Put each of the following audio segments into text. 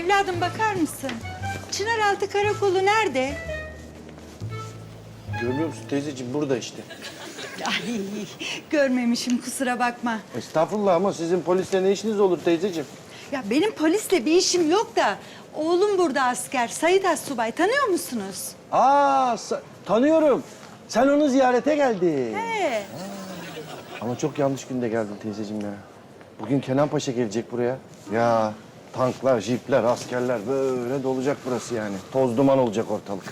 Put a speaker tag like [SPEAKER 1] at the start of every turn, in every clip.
[SPEAKER 1] Evladım bakar mısın? Çınaraltı Karakolu nerede?
[SPEAKER 2] Görmüyor musun teyzeciğim? Burada işte.
[SPEAKER 1] Ay görmemişim kusura bakma.
[SPEAKER 2] Estağfurullah ama sizin polisle ne işiniz olur teyzeciğim?
[SPEAKER 1] Ya benim polisle bir işim yok da oğlum burada asker. Sait Assubay tanıyor musunuz?
[SPEAKER 2] Tanıyorum. Sen onu ziyarete geldin.
[SPEAKER 1] He.
[SPEAKER 2] Ama çok yanlış günde geldin teyzeciğim ya. Bugün Kenan Paşa gelecek buraya. Ya tanklar, jipler, askerler böyle dolacak burası yani. Toz duman olacak ortalık.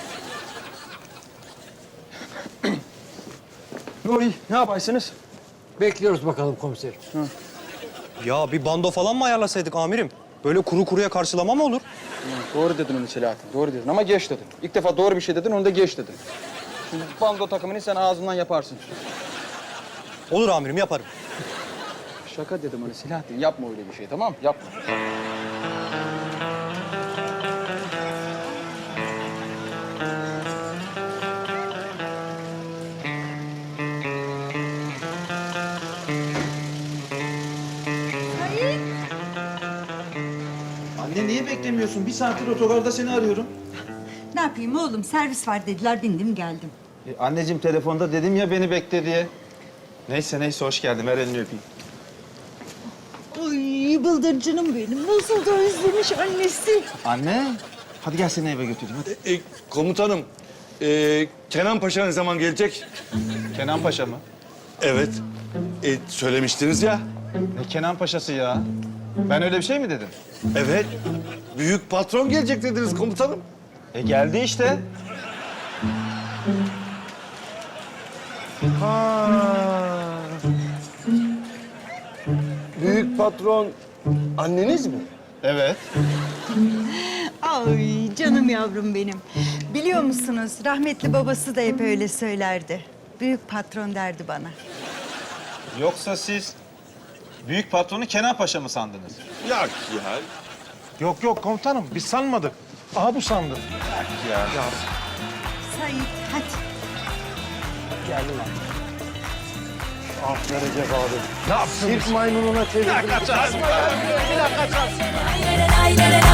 [SPEAKER 3] Oy, ne yaparsınız?
[SPEAKER 4] Bekliyoruz bakalım komiserim.
[SPEAKER 5] Ya bir bando falan mı ayarlasaydık amirim? Böyle kuru kuruya karşılama mı olur?
[SPEAKER 3] Doğru dedin onu Selahattin, doğru dedin ama geç dedin. İlk defa doğru bir şey dedin, onu da geç dedin. Şimdi bando takımını sen ağzından yaparsın.
[SPEAKER 5] Olur amirim, yaparım.
[SPEAKER 3] Şaka dedim ona Selahattin, yapma öyle bir şey, tamam mı? Yapma.
[SPEAKER 1] Sait.
[SPEAKER 6] Anne niye beklemiyorsun? Bir saattir otogarda seni arıyorum.
[SPEAKER 1] Ne yapayım oğlum servis var dediler bindim geldim.
[SPEAKER 6] Anneciğim telefonda dedim ya beni bekle diye. Neyse hoş geldin. Ver elini öpeyim.
[SPEAKER 1] Ay bıldırcınım benim nasıl da özlemiş annesi.
[SPEAKER 6] Anne hadi gel seni eve götüreyim hadi.
[SPEAKER 7] Komutanım, Kenan Paşa ne zaman gelecek?
[SPEAKER 6] Kenan Paşa mı?
[SPEAKER 7] Evet, söylemiştiniz ya.
[SPEAKER 6] Ne Kenan Paşa'sı ya? Ben öyle bir şey mi dedim?
[SPEAKER 7] Evet, büyük patron gelecek dediniz komutanım.
[SPEAKER 6] Geldi işte.
[SPEAKER 2] Büyük patron anneniz mi?
[SPEAKER 6] Evet.
[SPEAKER 1] Ay canım yavrum benim. Biliyor musunuz rahmetli babası da hep öyle söylerdi. Büyük patron derdi bana.
[SPEAKER 6] Yoksa siz büyük patronu Kenan Paşa mı sandınız?
[SPEAKER 7] Yok ya.
[SPEAKER 8] Yok komutanım biz sanmadık. Aha bu sandı.
[SPEAKER 1] Sait hadi.
[SPEAKER 2] Ah Recep abi. Ne yaptın? Sirk maymununa çevirdin.
[SPEAKER 9] Lay lay lay lay